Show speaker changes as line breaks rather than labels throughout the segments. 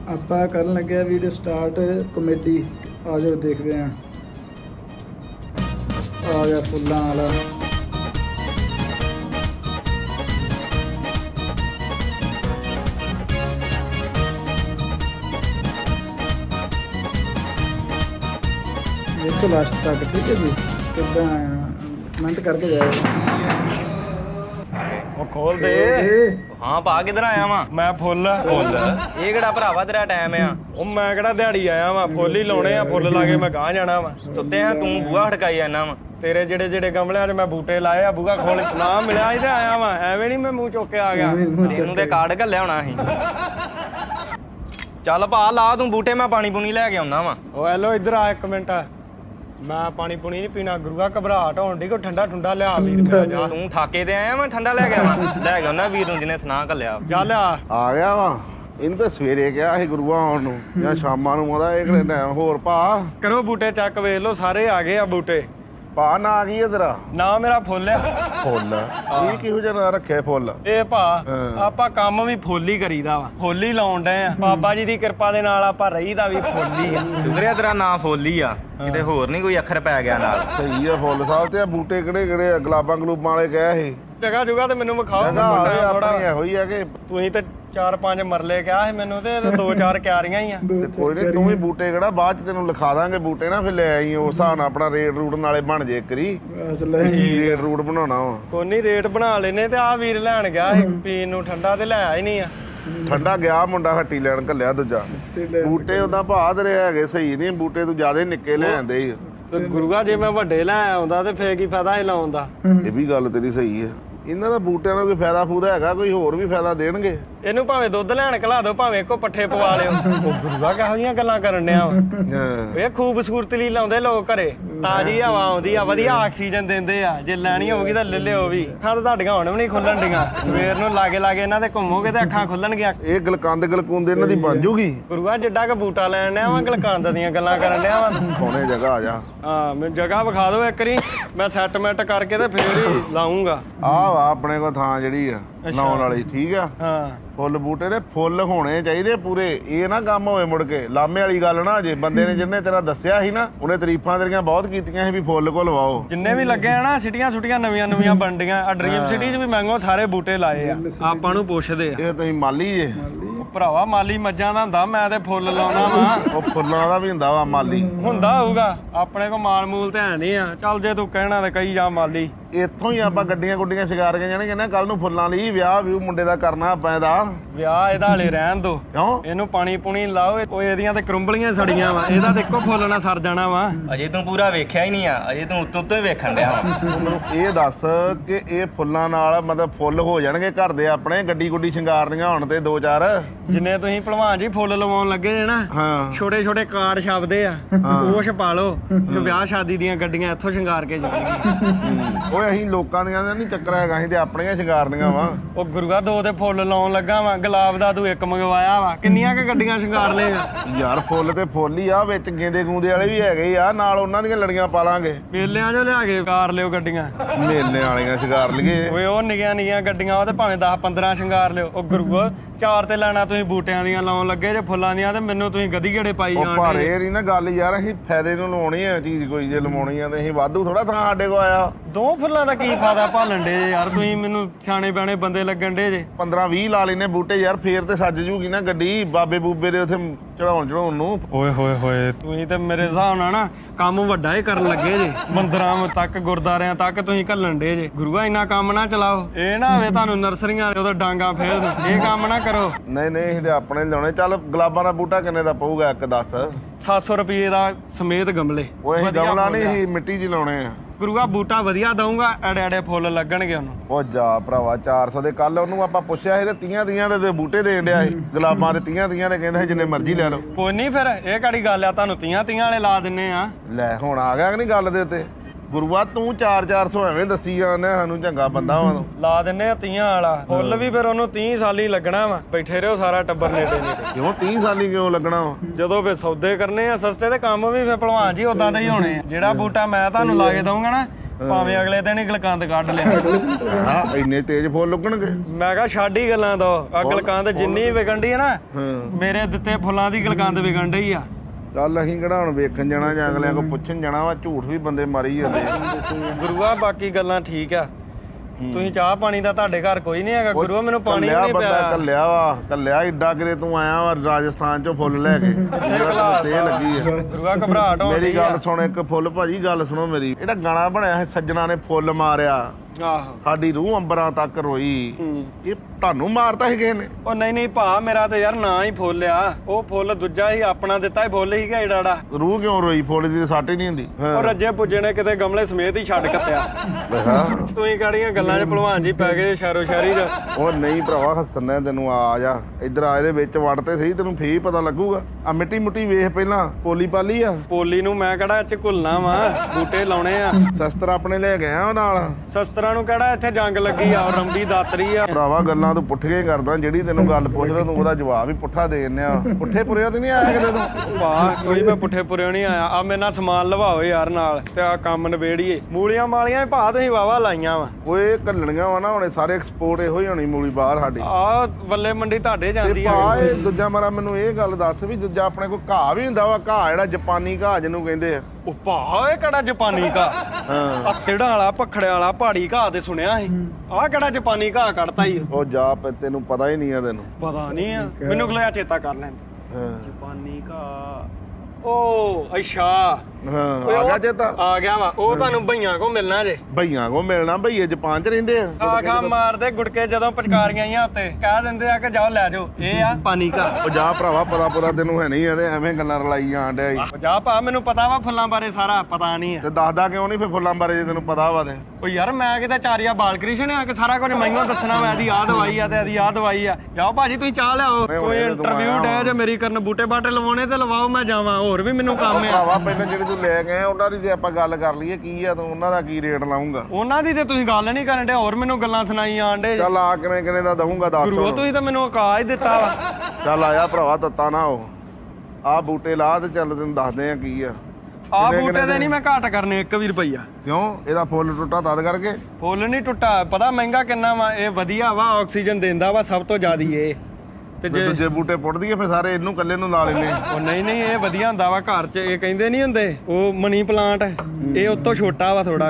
ਆਪਾਂ ਕਰਨ ਲੱਗੇ ਵੀਡੀਓ ਸਟਾਰਟ ਕਮੇਡੀ। ਆ ਜਾਓ ਦੇਖਦੇ ਆਂ। ਆ ਗਿਆ ਫੁੱਲਾਂ ਵਾਲਾ। ਦੇਖੋ ਲਾਸਟ ਤੱਕ, ਠੀਕ ਹੈ ਜੀ। ਕਿੱਦਾਂ ਕਮੈਂਟ ਕਰਕੇ ਜਾਇਓ।
ਉਹ ਖੋਲ ਦੇ। ਹਾਂ ਭਾ ਕਿੱਧਰ ਆਇਆ ਵਾਂ? ਮੈਂ ਫੁੱਲ ਇਹ ਕਿਹੜਾ ਭਰਾਵਾ ਤੇਰਾ ਟਾਈਮ ਆ? ਉਹ ਮੈਂ ਕਿਹੜਾ ਦਿਹਾੜੀ ਆਇਆ ਵਾਂ, ਫੁੱਲ ਹੀ ਲਾਉਣੇ ਆ। ਫੁੱਲ ਲਾ ਕੇ ਮੈਂ ਗਾਂ ਜਾਣਾ ਵਾ। ਸੁੱਤੇ ਆ ਤੂੰ ਬੂਹਾ ਖੜਕਾਈ ਜਾਂਦਾ ਵਾ। ਤੇਰੇ ਜਿਹੜੇ ਗਮਲਿਆਂ 'ਚ ਮੈਂ ਬੂਟੇ ਲਾਏ ਆ, ਬੂਹਾ ਖੋਲ ਨਾ ਮਿਲਿਆ ਹੀ ਤੇ ਆਇਆ ਵਾ। ਐਵੇਂ ਨਹੀਂ ਮੈਂ ਮੂੰਹ ਚੁੱਕ ਕੇ ਆ ਗਿਆ। ਤੈਨੂੰ ਤੇ ਕਾਰਡ ਘੱਲਿਆ ਹੋਣਾ ਸੀ। ਚੱਲ ਭਾ ਲਾ ਤੂੰ ਬੂਟੇ, ਮੈਂ ਪਾਣੀ ਪੂਣੀ ਲੈ ਕੇ ਆਉਣਾ ਵਾ। ਓ ਹੈਲੋ ਇੱਧਰ ਆ 1 ਮਿੰਟ। ਮੈਂ ਪਾਣੀ ਪੂਣੀ ਨਹੀਂ ਪੀਣਾ ਗੁਰੂਆ, ਘਬਰਾਹਟ ਹੋਣ ਦੀ। ਕੋਈ ਠੰਡਾ ਠੁੰਡਾ ਲਿਆ ਵੀਰ ਮੇਰਾ ਜਾ। ਤੂੰ ਠਾਕੇ ਤੇ ਆਇਆ ਮੈਂ ਠੰਡਾ ਲੈ ਕੇ ਆਵਾਂ? ਲੈ ਕੇ ਆਉਣਾ ਵੀਰ ਨੂੰ ਜਿਹਨੇ ਸੁਨਾਹ ਘੱਲਿਆ। ਜਾ ਲਿਆ।
ਆ ਗਿਆ ਵਾ। ਇਹਨੂੰ ਤਾਂ ਸਵੇਰੇ ਕਿਹਾ ਸੀ ਗੁਰੂਆ ਆਉਣ ਨੂੰ ਜਾਂ ਸ਼ਾਮਾਂ ਨੂੰ। ਉਹਦਾ ਇਹ ਟਾਈਮ ਹੋਰ ਭਾ
ਕਰੋ ਬੂਟੇ ਚੱਕ ਵੇਖ ਲਓ, ਸਾਰੇ ਆ ਗਏ ਆ ਬੂਟੇ।
ਭਾ ਨਾ ਕੀ ਹੈ ਤੇਰਾ?
ਨਾ ਮੇਰਾ ਫੁੱਲ ਆ।
ਫੁੱਲ ਇਹ ਕਿਹੋ ਜਿਹਾ ਨਾਂ ਰੱਖਿਆ ਫੁੱਲ?
ਇਹ ਭਾ ਆਪਾਂ ਕੰਮ ਵੀ ਫੁੱਲ ਹੀ ਕਰੀਦਾ ਵਾ, ਫੁੱਲ ਹੀ ਲਾਉਣ ਡਏ ਆ। ਬਾਬਾ ਜੀ ਦੀ ਕਿਰਪਾ ਦੇ ਨਾਲ ਆਪਾਂ ਰਹੀਦਾ ਵੀ ਫੁੱਲ ਹੀ ਆ। ਸੁਧਰਿਆ ਤੇਰਾ ਨਾਂ ਫੁੱਲ ਹੀ ਆ, ਕਿਤੇ ਹੋਰ ਨਹੀਂ ਕੋਈ ਅੱਖਰ ਪੈ ਗਿਆ ਨਾਲ।
ਸਹੀ ਆ ਫੁੱਲ ਸਾਹਿਬ। ਤੇ ਆ ਬੂਟੇ ਕਿਹੜੇ ਆ? ਗੁਲਾਬਾਂ ਗਲੂਬਾਂ ਵਾਲੇ ਕਹੇ ਸੀ।
ਜਗ੍ਹਾ ਜੁਗਾ ਤੇ ਮੈਨੂੰ ਵਿਖਾਓ।
ਆਪਣੀ ਇਹੋ ਹੀ ਆ ਕਿ
ਤੁਸੀਂ ਤੇ 4-5 ਮਰਲੇ ਕਿਹਾ ਸੀ ਮੈਨੂੰ, ਤੇ 2-4 ਕਿਆਰੀਆਂ ਹੀ ਆ।
ਕੋਈ ਨਹੀਂ, ਤੂੰ ਵੀ ਬੂਟੇ ਕਿਹੜਾ ਬਾਅਦ ਚ ਤੈਨੂੰ ਲਿਖਾ ਦਾਂਗੇ ਬੂਟੇ ਨਾ। ਫਿਰ ਲੈ ਆਈ ਉਸ ਹਿਸਾਬ ਨਾਲ ਆਪਣਾ ਰੇਟ ਰੂਟ ਨਾਲੇ ਬਣ ਜੇ ਕਰੀ। ਰੇਟ ਰੂਟ ਬਣਾਉਣਾ ਵਾ।
ਕੋਈ ਨਹੀਂ ਰੇਟ ਬਣਾ ਲੈਨੇ। ਤੇ ਆ ਵੀਰ ਲੈਣ ਗਿਆ ਸੀ ਪੀਣ ਨੂੰ ਠੰਡਾ, ਤੇ ਲੈ ਆਇਆ ਹੀ ਨਹੀਂ ਆ।
ਠੰਡਾ ਗਿਆ ਮੁੰਡਾ ਹੱਟੀ ਲੈਣ ਘੱਲਿਆ ਦੂਜਾ। ਬੂਟੇ ਉਹਦਾ ਭਾਅ ਤੇਰੇ ਹੈਗੇ ਸਹੀ ਨਹੀਂ, ਬੂਟੇ ਤੂੰ ਜ਼ਿਆਦਾ ਨਿੱਕੇ ਲੈ ਆਂਦੇ ਹੀ।
ਤੇ ਗੁਰੂਆ ਜੇ ਮੈਂ ਵੱਡੇ ਲੈ ਆਉਂਦਾ ਤੇ ਫੇਰ ਕੀ ਫਾਇਦਾ ਸੀ ਲਾਉਣ ਦਾ?
ਇਹ ਵੀ ਗੱਲ ਤੇਰੀ ਸਹੀ ਹੈ। ਇਹਨਾਂ ਦਾ ਬੂਟਿਆਂ ਦਾ ਕੋਈ ਫਾਇਦਾ ਫੂਦਾ ਹੈਗਾ? ਕੋਈ ਹੋਰ ਵੀ ਫਾਇਦਾ ਦੇਣਗੇ?
ਇਹਨੂੰ ਭਾਵੇਂ ਦੁੱਧ ਲੈਣ ਘਲਾ ਦਿਓ, ਭਾਵੇਂ ਇੱਕੋ ਪੱਠੇ ਪਵਾ ਲਿਓ। ਉਹ ਗੁਰੂਆ ਕਿਹੋ ਜਿਹੀਆਂ ਗੱਲਾਂ ਕਰਨ ਡਿਆ ਵਾ। ਇਹ ਖੂਬਸੂਰਤ ਲਈ ਲਾਉਂਦੇ ਲੋਕ ਘਰੇ। ਤਾਜ਼ੀ ਹਵਾ ਆਉਂਦੀ ਆ, ਵਧੀਆ ਆਕਸੀਜਨ ਦਿੰਦੇ ਆ। ਜੇ ਲੈਣੀ ਹੋਊਗੀ ਤਾਂ ਲੈ ਲਿਓ ਵੀ। ਅੱਖਾਂ ਤਾਂ ਤੁਹਾਡੀਆਂ ਹੁਣ ਵੀ ਨਹੀਂ ਖੁੱਲਣ ਡੀਆਂ। ਸਵੇਰ ਨੂੰ ਲਾਗੇ ਇਹਨਾਂ ਦੇ ਘੁੰਮੋਗੇ ਤੇ ਅੱਖਾਂ ਖੁੱਲਣਗੀਆਂ।
ਇਹ ਗਲਕੰਦ ਗਲਕੁੰਦ ਇਹਨਾਂ ਦੀ ਬਣ ਜੂਗੀ।
ਗੁਰੂਆ ਜਿੱਡਾ ਕ ਬੂਟਾ ਲੈਣ ਡਿਆ ਵਾ, ਗਲਕੰਦ ਦੀਆਂ ਗੱਲਾਂ ਕਰਨ ਡਿਆ ਵਾ।
ਸੋਹਣੇ ਜਗ੍ਹਾ ਆ ਜਾ।
ਹਾਂ ਮੈਨੂੰ ਜਗ੍ਹਾ ਵਿਖਾ ਦਿਓ ਇੱਕ ਵਾਰੀ, ਮੈਂ ਸੈਟਮੈਂਟ ਕਰਕੇ ਤੇ ਫੇਰ ਹੀ ਲਾਉਂਗਾ।
ਆਹ ਵਾ ਆਪਣੇ ਕੋਲ ਥਾਂ ਜਿਹੜੀ ਆ ਲਾਉਣ ਵਾਲੀ। ਠੀਕ ਆ।
ਹਾਂ
ਫੁੱਲ ਬੂਟੇ ਦੇ ਫੁੱਲ ਹੋਣੇ ਚਾਹੀਦੇ ਪੂਰੇ। ਇਹ ਨਾ ਕੰਮ ਹੋਵੇ ਮੁੜ ਕੇ ਲਾਮੇ ਵਾਲੀ ਗੱਲ ਨਾ। ਜੇ ਬੰਦੇ ਨੇ ਜਿਹਨੇ ਤੇਰਾ ਦੱਸਿਆ ਸੀ ਨਾ, ਉਹਨੇ ਤਾਰੀਫਾਂ ਤੇਰੀਆਂ ਬਹੁਤ ਕੀਤੀਆਂ ਸੀ ਵੀ ਫੁੱਲ ਕੋ ਲਵਾਓ। ਜਿੰਨੇ
ਵੀ ਲੱਗੇ ਆ ਨਾ, ਸਿਟੀਆਂ ਸੁਟੀਆਂ ਨਵੀਆਂ ਬਣਦੀਆਂ ਆ। ਡ੍ਰੀਮ ਸਿਟੀ 'ਚ ਵੀ ਮੰਗੋ ਸਾਰੇ ਬੂਟੇ ਲਾਏ ਆ। ਆਪਾਂ ਨੂੰ ਪੁੱਛਦੇ ਆ
ਇਹ ਤੁਸੀਂ ਮਾਲੀ ਜੇ।
ਭਰਾਵਾ ਮਾਲੀ ਮੱਝਾਂ ਦਾ ਹੁੰਦਾ, ਮੈਂ ਤੇ ਫੁੱਲ ਲਾਉਣਾ ਵਾ।
ਉਹ ਫੁੱਲਾਂ ਦਾ ਵੀ ਹੁੰਦਾ ਵਾ ਮਾਲੀ।
ਹੁੰਦਾ ਹੋਊਗਾ, ਆਪਣੇ ਕੋ ਮਾਲ ਮੂਲ ਤੇ ਹੈ ਨਹੀਂ ਆ। ਚੱਲ ਜੇ ਤੂੰ ਕਹਿਣਾ ਤੇ ਕਹੀ ਜਾ ਮਾਲੀ।
ਇੱਥੋਂ ਹੀ ਆਪਾਂ ਗੱਡੀਆਂ ਗੁੱਡੀਆਂ ਸ਼ਿਕਾਰ ਕੇ ਜਾਣੇ। ਕਹਿੰਦੇ ਕੱਲ ਨੂੰ ਫੁੱਲਾਂ ਲਈ ਵਿਆਹ ਵੀ ਮੁੰਡੇ ਦਾ ਕਰਨਾ ਆਪਾਂ ਇਹਦਾ।
ਵਿਆਹ ਇਹਦਾ ਹਲੇ ਰਹਿਣ ਦੋ।
ਕਿਉਂ?
ਇਹਨੂੰ ਪਾਣੀ ਪੂਣੀ ਲਾਓ। ਉਹ ਇਹਦੀਆਂ ਤੇ ਕਰੁੰਬਲੀਆਂ ਸੜੀਆਂ ਵਾ। ਇਹਦਾ ਤੇ ਇੱਕੋ ਫੁੱਲ ਨਾਲ ਸਰ ਜਾਣਾ ਵਾ। ਅਜੇ ਤੂੰ ਪੂਰਾ ਵੇਖਿਆ ਹੀ ਨਹੀਂ ਆ, ਅਜੇ ਤੂੰ ਉੱਤੋਂ ਹੀ ਵੇਖਣ ਡਿਆ ਵਾ।
ਮੈਨੂੰ ਇਹ ਦੱਸ ਕਿ ਇਹ ਫੁੱਲਾਂ ਨਾਲ ਮਤਲਬ ਫੁੱਲ ਹੋ ਜਾਣਗੇ ਘਰ ਦੇ ਆਪਣੇ? ਗੱਡੀ ਗੁੱਡੀ ਸ਼ਿੰਗਾਰਨੀਆਂ ਹੋਣ ਤੇ 2-4
ਜਿੰਨੇ ਤੁਸੀਂ ਭਲਵਾਨ ਜੀ ਫੁੱਲ ਲਵਾਉਣ ਲੱਗੇ ਜੇ ਨਾ,
ਹਾਂ
ਛੋਟੇ ਛੋਟੇ ਕਾਰਡ ਛਾਪਦੇ ਆ, ਉਹ ਛਪਾ ਲਓ ਕਿ ਵਿਆਹ ਸ਼ਾਦੀ ਦੀਆਂ ਗੱਡੀਆਂ ਇੱਥੋਂ ਸ਼ਿੰਗਾਰ ਕੇ ਜਾਣਗੀਆਂ।
ਓਏ ਅਸੀਂ ਲੋਕਾਂ ਦੀਆਂ ਨਹੀਂ ਚੱਕਰ ਹੈਗਾ, ਅਸੀਂ ਤੇ ਆਪਣੀਆਂ ਸ਼ਿੰਗਾਰਨੀਆਂ ਵਾ।
ਉਹ ਗੁਰੂਆ 2 ਤੇ ਫੁੱਲ ਲਾਉਣ ਲੱਗਾ ਵਾ। ਗੁਲਾਬ ਦਾ ਤੂੰ 1 ਮੰਗਵਾਇਆ ਵਾ, ਕਿੰਨੀਆਂ ਕ ਗੱਡੀਆਂ ਸ਼ਿੰਗਾਰ ਲੇਗਾ?
ਯਾਰ ਫੁੱਲ ਤੇ ਫੁੱਲ ਹੀ ਆ, ਵਿੱਚ ਗੇਂਦੇ ਗੂੰਦੇ ਵਾਲੇ ਵੀ ਹੈਗੇ ਆ, ਨਾਲ ਉਹਨਾਂ ਦੀਆਂ ਲੜੀਆਂ ਪਾ ਲਾਂਗੇ।
ਮੇਲਿਆਂ 'ਚੋਂ ਲਿਆ ਕੇ ਸ਼ਿੰਗਾਰ ਲਿਓ ਗੱਡੀਆਂ।
ਮੇਲੇ ਵਾਲੀਆਂ ਸ਼ਿੰਗਾਰ ਲਈਏ।
ਓਏ ਉਹ ਨਿੱਕੀਆਂ ਗੱਡੀਆਂ, ਉਹ ਤੇ ਭਾਵੇਂ 10-15 ਸ਼ਿੰਗਾਰ ਲਿਓ। ਉਹ ਗੁਰੂਆ 4 ਤੇ ਲੈਣਾ ਤੁਸੀਂ ਬੂਟਿਆਂ ਦੀਆਂ ਲਾਉਣ ਲੱਗੇ ਜੇ ਫੁੱਲਾਂ ਦੀਆਂ, ਤੇ ਮੈਨੂੰ ਤੁਸੀਂ ਗਦੀ ਗੇੜੇ ਪਾਈ
ਉਹ
ਜਾਣ
ਪਰ ਇਹ ਨਹੀਂ ਨਾ ਗੱਲ ਯਾਰ, ਅਸੀਂ ਫਾਇਦੇ ਨੂੰ ਲਵਾਉਣੀ ਆ ਚੀਜ਼ ਕੋਈ। ਜੇ ਲਵਾਉਣੀ ਆ ਤੇ ਅਸੀਂ ਵਾਧੂ ਥੋੜਾ ਥਾਂ ਸਾਡੇ ਕੋਲ ਆਇਆ। 2
ਫੁੱਲਾਂ ਦਾ ਕੀ ਫਾਇਦਾ ਭਾਲਣ ਡੇ ਯਾਰ ਤੁਸੀਂ? ਮੈਨੂੰ ਸਿਆਣੇ ਬਿਆਣੇ ਬੰਦੇ ਲੱਗਣ ਡੇ ਜੇ।
15-20 ਲਾ ਲੈਨੇ ਬੂਟੇ ਯਾਰ, ਫੇਰ ਤੇ ਸੱਜ ਜੂਗੀ ਨਾ ਗੱਡੀ ਬਾਬੇ ਬੂਬੇ ਦੇ ਉੱਥੇ ਚੜਾਉਣ ਨੂੰ।
ਓਏ ਹੋਏ ਹੋਏ, ਤੁਸੀਂ ਤੇ ਮੇਰੇ ਹਿਸਾਬ ਨਾਲ ਨਾ ਕੰਮ ਵੱਡਾ ਹੀ ਕਰਨ ਲੱਗੇ ਜੇ। ਮੰਦਰਾਂ ਤੱਕ ਗੁਰਦਾਰਿਆਂ ਤੱਕ ਤੁਸੀਂ ਘੱਲਣ ਡੇ ਜੇ। ਗੁਰੂਆ ਇੰਨਾ ਕੰਮ ਨਾ ਚਲਾਓ। ਇਹ ਨਾ ਹੋਵੇ ਤੁਹਾਨੂੰ ਨਰਸਰੀਆਂ ਉਦੋਂ ਡਾਂਗਾ ਫੇਰਨ। ਇਹ ਕੰਮ ਨਾ ਕਰੋ।
ਨਹੀਂ ਅਸੀਂ ਤੇ ਆਪਣੇ ਲਾਉਣੇ। ਚੱਲ ਗੁਲਾਬਾਂ ਦਾ ਬੂਟਾ ਕਿੰਨੇ ਦਾ ਪਊਗਾ? ਇੱਕ ਦੱਸ।
700 ਰੁਪਏ ਦਾ ਸਮੇਤ ਗਮਲੇ।
ਓਏ ਅਸੀਂ ਗਮਲਾ ਨਹੀਂ, ਅਸੀਂ ਮਿੱਟੀ 'ਚ ਲਾਉਣੇ ਆ।
ਗੁਰੂਆ ਬੂਟਾ ਵਧੀਆ ਦਊਂਗਾ, ਐੜੇ ਫੁੱਲ ਲੱਗਣਗੇ ਉਹਨੂੰ।
ਉਹ ਜਾ ਭਰਾਵਾ 400 ਦੇ। ਕੱਲ ਉਹਨੂੰ ਆਪਾਂ ਪੁੱਛਿਆ ਸੀ ਤੇ 30 ਦੇ ਬੂਟੇ ਦੇਣ ਡਿਆ ਸੀ। ਗੁਲਾਬਾਂ ਦੇ 30 ਦੇ ਕਹਿੰਦਾ ਸੀ ਜਿੰਨੇ ਮਰਜ਼ੀ ਲੈ ਲਓ।
ਕੋਈ ਨਹੀਂ ਫਿਰ ਇਹ ਕਿਹੜੀ ਗੱਲ ਆ, ਤੁਹਾਨੂੰ 30 ਵਾਲੇ ਲਾ ਦਿੰਨੇ ਆ।
ਲੈ ਹੁਣ ਆ ਗਿਆ ਕਿ ਨਹੀਂ ਗੱਲ ਦੇ ਉੱਤੇ? ਗੁਰੂਆ ਤੂੰ 400 ਐਵੇਂ ਦੱਸੀ ਜਾਂਦਾ ਸਾਨੂੰ, ਚੰਗਾ ਬੰਦਾ ਵਾ ਤੂੰ।
ਲਾ ਦਿੰਨੇ ਆ 30 ਵਾਲਾ ਫੁੱਲ ਵੀ। ਫਿਰ ਉਹਨੂੰ 30 ਸਾਲ ਹੀ ਲੱਗਣਾ ਵਾ। ਬੈਠੇ ਰਹੋ ਸਾਰਾ ਟੱਬਰ ਨੇੜੇ ਨੇੜੇ।
ਕਿਉਂ 30 ਸਾਲੀ ਕਿਉਂ ਲੱਗਣਾ ਵਾ?
ਜਦੋਂ ਫਿਰ ਸੌਦੇ ਕਰਨੇ ਆ ਸਸਤੇ, ਤੇ ਕੰਮ ਵੀ ਫਿਰ ਭਲਵਾਨ ਜੀ ਉਦਾਂ ਦੇ ਹੀ ਹੋਣੇ ਆ। ਜਿਹੜਾ ਬੂਟਾ ਮੈਂ ਤੁਹਾਨੂੰ ਲਾ ਕੇ ਦਊਂਗਾ ਨਾ, ਭਾਵੇਂ ਅਗਲੇ ਦਿਨ ਹੀ ਗਲਕੰਦ ਕੱਢ ਲਿਆ।
ਹਾਂ ਇੰਨੇ ਤੇਜ਼ ਫੁੱਲ ਲੱਗਣਗੇ।
ਮੈਂ ਕਿਹਾ ਛੱਡ ਹੀ ਗੱਲਾਂ ਤੋਂ, ਆ ਗਲਕੰਦ ਜਿੰਨੀ ਵਿਕਣ ਡਈ ਹੈ ਨਾ, ਮੇਰੇ ਦਿੱਤੇ ਫੁੱਲਾਂ ਦੀ ਗਲਕੰਦ ਵਿਕਣ ਡਈ ਆ।
ਚੱਲ ਅਸੀਂ ਕਿਹੜਾ ਹੁਣ ਵੇਖਣ ਜਾਣਾ ਜਾਂ ਅਗਲਿਆਂ ਕੋਲ ਪੁੱਛਣ ਜਾਣਾ ਵਾ, ਝੂਠ ਵੀ ਬੰਦੇ ਮਾਰੀ ਜਾਂਦੇ।
ਗੁਰੂਆ ਬਾਕੀ ਗੱਲਾਂ ਠੀਕ ਆ, ਤੁਸੀਂ ਚਾਹ ਪਾਣੀ ਦਾ ਤੁਹਾਡੇ ਘਰ ਕੋਈ ਨਹੀਂ ਹੈਗਾ ਗੁਰੂਆ, ਮੈਨੂੰ ਪਾਣੀ ਵੀ ਨਹੀਂ ਪਿਆ।
ਕੱਲਿਆ ਏਡਾ ਕਿਤੇ ਤੂੰ ਆਇਆ ਵਾ ਰਾਜਸਥਾਨ ਚੋਂ ਫੁੱਲ ਲੈ ਕੇ, ਤੇ ਲੱਗੀ ਆ
ਗੁਰੂਆ ਘਬਰਾਹਟ ਹੋਣ
ਮੇਰੀ ਗੱਲ ਸੁਣ ਇੱਕ ਫੁੱਲ ਭਾਜੀ, ਗੱਲ ਸੁਣੋ ਮੇਰੀ। ਜਿਹੜਾ ਗਾਣਾ ਬਣਿਆ ਹੈ ਸੱਜਣਾ ਨੇ ਫੁੱਲ ਮਾਰਿਆ,
ਆਹੋ
ਸਾਡੀ ਰੂਹ ਅੰਬਰਾਂ ਤੱਕ ਰੋਈ, ਇਹ ਤੁਹਾਨੂੰ ਮਾਰਤਾ ਸੀ ਕਿਸੇ ਨੇ?
ਉਹ ਨਹੀਂ ਭਾ, ਮੇਰਾ ਤੇ ਯਾਰ ਨਾਂ ਹੀ ਫੁੱਲ ਆ, ਉਹ ਫੁੱਲ ਦੂਜਾ ਹੀ ਆਪਣਾ ਦਿੱਤਾ ਹੀ ਫੁੱਲ ਹੀ ਏਡਾ।
ਰੂਹ ਕਿਉਂ ਰੋਈ? ਫੁੱਲ ਦੀ ਸੱਟ ਹੀ ਨਹੀਂ ਹੁੰਦੀ।
ਉਹ ਰੱਜੇ ਪੁੱਜੇ ਨੇ ਕਿਤੇ ਗਮਲੇ ਸਮੇਤ ਹੀ ਛੱਡ ਕੱਤਿਆ। ਤੁਸੀਂ ਕਿਹੜੀਆਂ ਗੱਲਾਂ 'ਚ ਭਲਵਾਨ ਜੀ ਪੈ ਗਏ ਸ਼ਹਿਰੋ ਸ਼ਹਿਰੀ 'ਚ।
ਉਹ ਨਹੀਂ ਭਰਾਵਾ ਹੱਸਣਾ ਤੈਨੂੰ, ਆ ਜਾ ਇੱਧਰ ਆ, ਇਹਦੇ ਵਿੱਚ ਵੜ ਤੇ ਸਹੀ, ਤੈਨੂੰ ਫੇਰ ਪਤਾ ਲੱਗੂਗਾ। ਆ ਮਿੱਟੀ ਮੁੱਟੀ ਵੇਖ ਪਹਿਲਾਂ, ਪੋਲੀ ਪਾਲੀ ਆ।
ਪੋਲੀ ਨੂੰ ਮੈਂ ਕਿਹੜਾ ਇੱਥੇ ਘੁਲਣਾ ਵਾ, ਬੂਟੇ ਲਾਉਣੇ ਆ।
ਸ਼ਸਤਰ ਆਪਣੇ ਲੈ ਕੇ ਆਇਆ ਨਾਲ।
ਸ਼ਸਤਰਾਂ ਨੂੰ ਕਿਹੜਾ ਇੱਥੇ ਜੰਗ ਲੱਗੀ ਆ, ਰੰਬੀ ਦਾਤਰੀ ਆ।
ਭਰਾਵਾ ਗੱਲਾਂ ਤੂੰ ਪੁੱਠੀਆਂ ਹੀ ਕਰਦਾ, ਜਿਹੜੀ ਤੈਨੂੰ ਗੱਲ ਪੁੱਛਦਾ ਤੂੰ ਉਹਦਾ ਜਵਾਬ ਹੀ ਪੁੱਠਾ ਦੇ ਦਿੰਦੇ ਆ। ਪੁੱਠੇ ਪੁਰਿਆ ਤੇ ਨਹੀਂ ਆਇਆ ਕਿਤੇ ਤੂੰ?
ਵਾਹ ਕੋਈ ਮੈਂ ਪੁੱਠੇ ਪੁਰਿਓ ਨਹੀਂ ਆਇਆ। ਆ ਮੇਰੇ ਨਾਲ ਸਮਾਨ ਲਵਾਓ ਯਾਰ ਨਾਲ, ਤੇ ਆ ਕੰਮ ਨਿਬੇੜੀਏ। ਮੂਲੀਆਂ ਮਾਲੀਆਂ ਭਾ ਤੁਸੀਂ ਵਾਵਾ ਲਾਈਆਂ ਵਾ।
ਓਏ ਘੱਲਣੀਆਂ ਵਾ ਨਾ ਹੁਣੇ, ਸਾਰੇ ਐਕਸਪੋਰਟ ਇਹੋ ਹੀ ਹੋਣੀ ਮੂਲੀ ਬਾਹਰ ਸਾਡੀ।
ਆ ਵੱਲੇ ਮੰਡੀ ਤੁਹਾਡੇ ਜਾਂਦੀ ਆ।
ਭਾ ਇਹ ਦੂਜਾ ਮਾਰਾ ਮੈਨੂੰ ਇਹ ਗੱਲ ਦੱਸ ਵੀ ਦੂਜਾ ਆਪਣੇ ਕੋਲ ਘਾਹ ਵੀ ਹੁੰਦਾ ਵਾ, ਘਾਹ ਜਿਹੜਾ ਜਾਪਾਨੀ ਘਾਹ ਜਿਹਨੂੰ ਕਹਿੰਦੇ ਆ।
ਉਹ ਭਾ ਇਹ ਕਿਹੜਾ ਜਾਪਾਨੀ ਘਾਹ? ਆ ਤਿੜਾਂ ਵਾਲਾ ਪਖੜਿਆਂ ਵਾਲਾ ਪਹਾੜੀ ਘਾਹ ਤੇ ਸੁਣਿਆ ਸੀ, ਆਹ ਕਿਹੜਾ ਜਾਪਾਨੀ ਘਾਹ ਕੱਢਤਾ ਹੀ?
ਉਹ ਜਾ ਤੈਨੂੰ ਪਤਾ ਹੀ ਨਹੀਂ ਆ ਤੈਨੂੰ?
ਪਤਾ ਨਹੀਂ ਆ ਮੈਨੂੰ, ਖਲਿਆ ਚੇਤਾ ਕਰ ਲੈਣ। ਜਾਪਾਨੀ ਘਾਹ, ਉਹ ਅੱਛਾ
ਆ ਗਿਆ ਚੇਤਾ?
ਆ ਗਿਆ ਵਾ। ਉਹ ਤੁਹਾਨੂੰ ਭਈਆਂ ਕੋ ਮਿਲਣਾ ਜੇ।
ਭਈਆਂ ਕੋ ਮਿਲਣਾ? ਭਈਏ ਜਾਪਾਨ ਚ ਰਹਿੰਦੇ ਆ।
ਆਖਾ ਮਾਰਦੇ ਗੁੜਕੇ ਜਦੋਂ ਪਚਕਾਰੀਆਂ ਆਈਆਂ ਉੱਤੇ, ਕਹਿ ਦਿੰਦੇ ਆ ਕਿ ਜਾਓ ਲੈ ਜਾਓ, ਇਹ ਆ ਪਾਣੀ ਘਾ।
ਉਹ ਜਾ ਭਰਾਵਾ, ਪਤਾ ਤੈਨੂੰ ਹੈ ਨਹੀਂ ਆ ਤੇ ਐਵੇਂ ਗੱਲਾਂ ਰਲਾਈ ਜਾਣ ਡਿਆ ਈ।
ਜਾ ਭਾ ਮੈਨੂੰ ਪਤਾ ਵਾ ਫੁੱਲਾਂ ਬਾਰੇ ਸਾਰਾ, ਪਤਾ ਨਹੀਂ ਆ
ਤੇ ਦੱਸਦਾ ਕਿਉਂ ਨਹੀਂ ਫੇ ਫੁੱਲਾਂ ਬਾਰੇ ਜੇ ਤੈਨੂੰ ਪਤਾ ਵਾ ਤੇ?
ਉਹ ਯਾਰ ਮੈਂ ਕਿਤੇ ਚਾਰੀਆ ਬਾਲ ਕ੍ਰਿਸ਼ਨ ਆ ਕਿ ਸਾਰਾ ਕੁਝ ਮੈਨੂੰ ਦੱਸਣਾ ਵਾ, ਇਹਦੀ ਆਹ ਦਵਾਈ ਆ ਤੇ ਇਹਦੀ ਆਹ ਦਵਾਈ ਆ। ਜਾਓ ਭਾਜੀ ਤੁਸੀਂ ਚਾਹ ਲਿਆਓ, ਕੋਈ ਇੰਟਰਵਿਊ ਡੇ ਜੇ ਮੇਰੀ ਕਰਨ, ਬੂਟੇ ਬਾਟੇ ਲਵਾਉਣੇ ਤੇ ਲਵਾਓ, ਮੈਂ ਜਾਵਾਂ, ਹੋਰ ਵੀ ਮੈਨੂੰ ਕੰਮ ਆ।
ਭਰਾਵਾ ਪਹਿਲਾਂ ਜਿਹੜੇ ਤੂੰ ਲੈ ਗਏ ਉਹਨਾਂ ਦੀ ਜੇ ਆਪਾਂ ਗੱਲ ਕਰ ਲਈਏ, ਕੀ ਆ ਤੂੰ ਉਹਨਾਂ ਦਾ ਕੀ ਰੇਟ ਲਾਉਂਗਾ?
ਉਹਨਾਂ ਦੀ ਤੇ ਤੁਸੀਂ ਗੱਲ ਨਹੀਂ ਕਰਨ ਡੇ, ਹੋਰ ਮੈਨੂੰ ਗੱਲਾਂ ਸੁਣਾਈ ਆਣ ਡੇ।
ਚੱਲ ਆ ਕਿਨੇ ਦਾ ਦਊਂਗਾ ਦੱਸ।
ਗੁਰੂ ਤੁਸੀਂ ਤਾਂ ਮੈਨੂੰ ਔਕਾਤ ਹੀ ਦਿੱਤਾ ਵਾ।
ਚੱਲ ਆਇਆ ਭਰਾਵਾ, ਤੱਤਾ ਨਾ ਹੋ, ਆ ਬੂਟੇ ਲਾ ਤੇ ਚੱਲ ਤੈਨੂੰ ਦੱਸਦੇ ਆ ਕੀ ਆ।
ਆ ਬੂਟੇ ਦੇ ਨਹੀਂ ਮੈਂ ਘਾਟ ਕਰਨੇ 1 ਵੀ ਰੁਪਈਆ।
ਕਿਉਂ? ਇਹਦਾ ਫੁੱਲ ਟੁੱਟਾ ਤਦ ਕਰਕੇ?
ਫੁੱਲ ਨਹੀਂ ਟੁੱਟਾ, ਪਤਾ ਮਹਿੰਗਾ ਕਿੰਨਾ ਵਾ? ਇਹ ਵਧੀਆ ਵਾ, ਆਕਸੀਜਨ ਦਿੰਦਾ ਵਾ ਸਭ ਤੋਂ ਜ਼ਿਆਦੀ ਇਹ। ਤੇ ਜੇ
ਦੂਜੇ ਬੂਟੇ ਪੁੱਟ ਦਈਏ ਫੇ ਸਾਰੇ ਇਹਨੂੰ ਕੱਲੇ ਨੂੰ ਲਾ ਲੈਨੇ।
ਉਹ ਨਹੀਂ ਇਹ ਵਧੀਆ ਹੁੰਦਾ ਵਾ ਘਰ 'ਚ। ਇਹ ਕਹਿੰਦੇ ਨਹੀਂ ਹੁੰਦੇ ਉਹ ਮਨੀ ਪਲਾਂਟ, ਇਹ ਉਤੋਂ ਛੋਟਾ ਵਾ ਥੋੜਾ।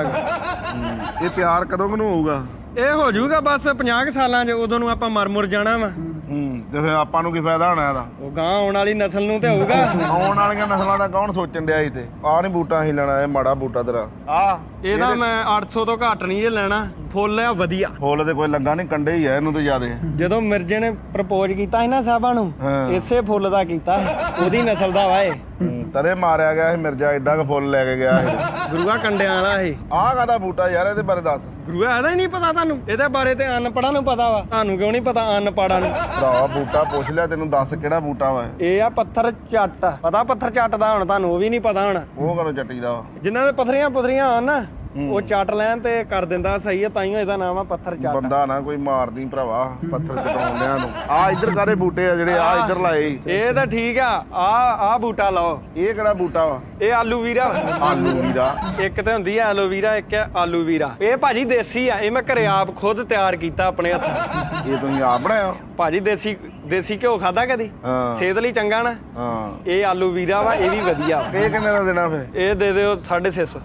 ਇਹ ਤਿਆਰ ਕਦੋਂ ਨੂੰ ਹੋਊਗਾ?
ਇਹ ਹੋ ਜਾਊਗਾ ਬਸ 50 ਸਾਲਾਂ 'ਚ, ਉਦੋਂ ਨੂੰ ਆਪਾਂ ਮਰ ਜਾਣਾ ਵਾ।
ਤੇ ਫੇ ਆਪਾਂ ਨੂੰ ਕੀ ਫਾਇਦਾ ਹੋਣਾ ਇਹਦਾ?
ਉਹ ਗਾਂ ਆਉਣ ਵਾਲੀ ਨਸਲ ਨੂੰ ਤੇ ਹੋਊਗਾ।
ਆਉਣ ਵਾਲੀਆਂ ਨਸਲਾਂ ਦਾ ਕੌਣ ਸੋਚਣ ਡਿਆ ਸੀ? ਤੇ ਆ ਨਹੀਂ ਬੂਟਾ ਹੀ ਲੈਣਾ, ਇਹ ਮਾੜਾ ਬੂਟਾ ਤੇਰਾ ਆ।
ਇਹਦਾ ਮੈਂ 800 ਤੋਂ ਘੱਟ ਨਹੀਂ ਇਹ ਲੈਣਾ, ਫੁੱਲ ਆ ਵਧੀਆ।
ਫੁੱਲ ਤੇ ਕੋਈ ਲੱਗਾ ਨਹੀਂ, ਕੰਡੇ ਹੀ ਆ ਇਹਨੂੰ ਤੇ ਜ਼ਿਆਦੇ।
ਜਦੋਂ ਮਿਰਜੇ ਨੇ ਪ੍ਰਪੋਜ਼ ਕੀਤਾ ਸੀ ਨਾ ਸਾਹਿਬਾਂ ਨੂੰ, ਇਸੇ ਫੁੱਲ ਦਾ ਕੀਤਾ, ਉਹਦੀ ਨਸਲ ਦਾ ਵਾ ਇਹ।
ਤਰੇ ਮਾਰਿਆ ਗਿਆ ਸੀ ਮਿਰਜ਼ਾ, ਐਡਾ ਕ ਫੁੱਲ ਲੈ ਕੇ ਗਿਆ ਇਹ।
ਗੁਰੂਆ ਕੰਡਿਆਂ ਵਾਲਾ ਇਹ।
ਆਹ ਕਾਹਦਾ ਬੂਟਾ ਯਾਰ? ਇਹਦੇ ਬਾਰੇ ਦੱਸ।
ਗੁਰੂਆ ਇਹਦਾ ਹੀ ਨਹੀਂ ਪਤਾ ਤੁਹਾਨੂੰ? ਇਹਦੇ ਬਾਰੇ ਤੇ ਅਨਪੜ੍ਹਾਂ ਨੂੰ ਪਤਾ ਵਾ, ਤੁਹਾਨੂੰ ਕਿਉਂ ਨਹੀਂ ਪਤਾ ਅਨਪੜ੍ਹਾਂ ਨੂੰ?
ਭਰਾ ਬੂਟਾ ਪੁੱਛ ਲਿਆ, ਤੈਨੂੰ ਦੱਸ ਕਿਹੜਾ ਬੂਟਾ ਵਾ?
ਇਹ ਆ ਪੱਥਰ ਚੱਟ। ਪਤਾ ਪੱਥਰ ਚੱਟ ਦਾ? ਹੁਣ ਤੁਹਾਨੂੰ ਉਹ ਵੀ ਨਹੀਂ ਪਤਾ ਹੁਣ।
ਉਹ ਕਦੋਂ ਚੱਟੀ ਦਾ ਵਾ?
ਜਿਨ੍ਹਾਂ ਦੇ ਪਥਰੀਆਂ ਪੁਥਰੀਆਂ ਆਣ ਨਾ, ਉਹ ਚੱਟ ਲੈਣ ਤੇ ਕਰ ਦਿੰਦਾ ਸਹੀ ਹੈ, ਤਾਈਓ ਇਹਦਾ ਨਾਮ ਆ ਪੱਥਰ ਚੱਟ।
ਬੰਦਾ ਨਾ ਕੋਈ ਮਾਰਦੀ ਭਰਾਵਾ ਪੱਥਰ ਚਟਾਉਂਦਿਆਂ ਨੂੰ। ਆ ਇੱਧਰ ਕਾਰੇ ਬੂਟੇ ਆ ਜਿਹੜੇ ਆ ਇੱਧਰ ਲਾਏ?
ਇਹ ਤਾਂ ਠੀਕ ਆ, ਆ ਬੂਟਾ ਲਾਓ।
ਇਹ ਕਿਹੜਾ ਬੂਟਾ ਵਾ?
ਇਹ ਆਲੂ ਵੀਰਾ।
ਆਲੂ ਵੀਰਾ?
ਇੱਕ ਤੇ ਹੁੰਦੀ ਆ ਐਲੋਵੀਰਾ, ਇੱਕ ਆ ਆਲੂ ਵੀਰਾ। ਇਹ ਭਾਜੀ ਦੇਸੀ ਆ, ਇਹ ਮੈਂ ਘਰੇ ਆਪ ਖੁਦ ਤਿਆਰ ਕੀਤਾ ਆਪਣੇ ਹੱਥ।
ਇਹ ਤੁਸੀਂ ਆਪ ਬਣਾਇਆ? ਭਾਜੀ
ਦੇਸੀ ਘਿਓ ਖਾਦਾ ਕਦੀ? ਸਿਹਤ ਲਈ ਚੰਗਾ ਨਾ। ਇਹ ਆਲੂ ਵੀਰਾ ਵਾ, ਇਹ ਵੀ ਵਧੀਆ।
ਇਹ ਕਿੰਨੇ ਦਾ ਦੇਣਾ ਫੇ?
ਇਹ ਦੇ ਦਿਓ 650।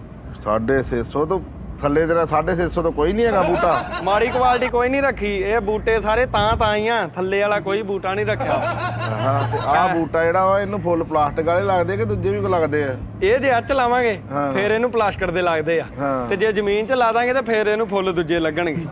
650 ਤੋਂ ਥੱਲੇ ਤੇਰਾ 650 ਤੋਂ ਕੋਈ ਨਹੀਂ ਹੈਗਾ ਬੂਟਾ?
ਮਾੜੀ ਕੁਆਲਿਟੀ ਕੋਈ ਨਹੀਂ ਰੱਖੀ, ਇਹ ਬੂਟੇ ਸਾਰੇ ਤਾਂ ਹੀ ਆ, ਥੱਲੇ ਵਾਲਾ ਕੋਈ ਬੂਟਾ ਨਹੀਂ ਰੱਖਿਆ।
ਹਾਂ ਤੇ ਆਹ ਬੂਟਾ ਜਿਹੜਾ ਵਾ ਇਹਨੂੰ ਫੁੱਲ ਪਲਾਸਟਿਕ ਵਾਲੇ ਲੱਗਦੇ ਕਿ ਦੂਜੇ ਵੀ ਕੋ ਲੱਗਦੇ ਆ?
ਇਹ ਜੇ ਅੱਚ ਲਾਵਾਂਗੇ ਫੇਰ ਇਹਨੂੰ ਪਲਾਸਟਿਕ ਦੇ ਲੱਗਦੇ ਆ, ਤੇ ਜੇ ਜ਼ਮੀਨ 'ਚ ਲਾ ਦਾਂਗੇ ਤੇ ਫੇਰ ਇਹਨੂੰ ਫੁੱਲ ਦੂਜੇ ਲੱਗਣਗੇ।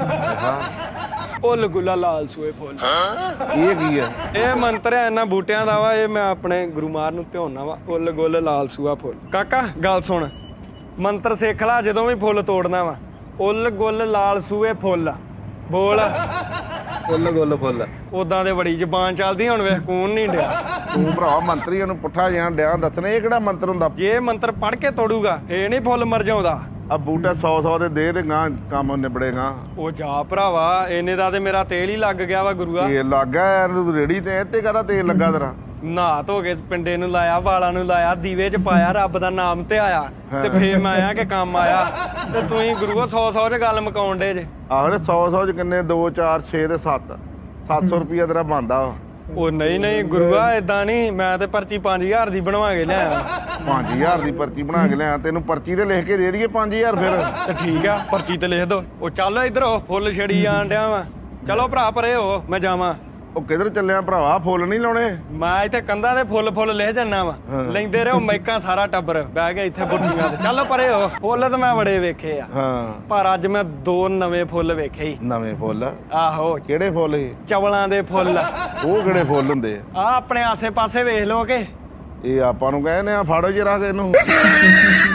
ਫੁੱਲ ਗੁੱਲਾ ਲਾਲ ਸੂਏ ਫੁੱਲ।
ਇਹ ਕੀ ਆ?
ਇਹ ਮੰਤਰ ਹੈ ਇਹਨਾਂ ਬੂਟਿਆਂ ਦਾ ਵਾ, ਇਹ ਮੈਂ ਆਪਣੇ ਗੁਰੂ ਮਾਰ ਨੂੰ ਧਿਆਉਣਾ ਵਾ। ਫੁੱਲ ਗੁੱਲ ਲਾਲ ਸੂਆ ਫੁੱਲ। ਕਾਕਾ ਗੱਲ ਸੁਣ, ਮੰਤਰ ਸਿੱਖ ਲਾ ਜਦੋਂ ਵੀ ਫੁੱਲ ਤੋੜਨਾ ਵਾ। ਉੱਲ ਗੁੱਲ ਲਾਲ ਸੂਏ ਫੁੱਲ ਬੋਲ। ਫੁੱਲ ਗੁੱਲ ਫੁੱਲ। ਉਦਾਂ ਦੇ ਬੜੀ ਜ਼ਬਾਨ ਚੱਲਦੀ, ਹੁਣ ਵੇਖ ਕੌਣ ਨਹੀਂ ਡਿਆ।
ਤੂੰ ਭਰਾ ਮੰਤਰੀ ਨੂੰ ਪੁੱਠਾ ਜਿਹਾ ਡਿਆ ਦੱਸਣਾ, ਇਹ ਕਿਹੜਾ ਮੰਤਰ ਹੁੰਦਾ?
ਜੇ ਮੰਤਰ ਪੜ੍ਹ ਕੇ ਤੋੜੂਗਾ ਇਹ ਨਹੀਂ ਫੁੱਲ ਮਰ ਜਾਉਂਦਾ।
ਆ ਬੂਟਾ 100 ਦੇ ਦੇ ਤੇ ਗਾਂ ਕੰਮ ਨਿਬੜੇਗਾ।
ਉਹ ਜਾ ਭਰਾਵਾ, ਇਹਨੇ ਦਾ ਤੇ ਮੇਰਾ ਤੇਲ ਹੀ ਲੱਗ ਗਿਆ ਵਾ ਗੁਰੂਆ।
ਇਹ ਲੱਗਾ ਯਾਰ ਰੇੜੀ ਤੇ, ਇੱਥੇ ਕਾਹਦਾ ਤੇਲ ਲੱਗਾ ਤੇਰਾ?
ਨਹਾ ਧੋ ਕੇ ਪਿੰਡੇ ਨੂੰ ਲਾਇਆ, ਵਾਲਾਂ ਨੂੰ ਲਾਇਆ, ਦੀਵੇ 'ਚ ਪਾਇਆ, ਰੱਬ ਦਾ ਨਾਮ ਤੇ ਆਇਆ ਤੇ ਫੇਰ ਮੈਂ ਆਇਆ ਕਿ ਕੰਮ ਆਇਆ। ਤੇ ਤੁਸੀਂ ਗੁਰੂਆ 100 'ਚ ਗੱਲ ਮੁਕਾਉਣ ਡੇ ਜੇ।
ਆਹੋ 100 'ਚ ਕਿੰਨੇ 2 4 6 ਤੇ 700 ਰੁਪਿਆ ਤੇਰਾ ਬਣਦਾ ਵਾ।
ਉਹ ਨਹੀਂ ਗੁਰੂਆ ਏਦਾਂ ਨਹੀਂ, ਮੈਂ ਤੇ ਪਰਚੀ 5000 ਦੀ ਬਣਵਾ ਕੇ ਲਿਆਇਆ।
5000 ਦੀ ਪਰਚੀ ਬਣਾ ਕੇ ਲਿਆ, ਤੈਨੂੰ ਪਰਚੀ ਤੇ ਲਿਖ ਕੇ ਦੇ ਦਈਏ 5000 ਫਿਰ।
ਤੇ ਠੀਕ ਆ, ਪਰਚੀ ਤੇ ਲਿਖ ਦੋ। ਉਹ ਚੱਲ ਇੱਧਰ ਹੋ, ਫੁੱਲ ਛੜੀ ਜਾਣ ਡਿਆ ਵਾ। ਚਲੋ ਭਰਾ ਪਰੇ ਹੋ, ਮੈਂ ਜਾਵਾਂ।
ਉਹ ਕਿੱਧਰ ਚੱਲਿਆ ਭਰਾਵਾ? ਫੁੱਲ ਨਹੀਂ ਲਾਉਣੇ?
ਮੈਂ ਇੱਥੇ ਕੰਧਾਂ ਦੇ ਫੁੱਲ ਲਿਖ ਜੰਨਾ ਵਾ। ਲੈਂਦੇ ਰਹੋ ਮੈਕਾਂ ਸਾਰਾ ਟੱਬਰ ਬਹਿ ਗਿਆ ਇੱਥੇ ਬੁੱਢੀਆਂ ਤੇ। ਚੱਲ ਪਰੇ ਹੋ, ਫੁੱਲ ਤਾਂ ਮੈਂ ਬੜੇ ਵੇਖੇ ਆ,
ਹਾਂ
ਪਰ ਅੱਜ ਮੈਂ 2 ਨਵੇਂ ਫੁੱਲ ਵੇਖੇ ਹੀ।
ਨਵੇਂ ਫੁੱਲ?
ਆਹੋ।
ਕਿਹੜੇ ਫੁੱਲ ਸੀ?
ਚਵਲਾਂ ਦੇ ਫੁੱਲ।
ਉਹ ਕਿਹੜੇ ਫੁੱਲ ਹੁੰਦੇ
ਆ ਆਪਣੇ ਆਸੇ ਪਾਸੇ ਵੇਖ ਲੋ ਕਿ
ਇਹ ਆਪਾਂ ਨੂੰ ਕਹਿੰਦੇ ਆ ਫਾੜੋ ਜਰਾ ਇਹਨੂੰ।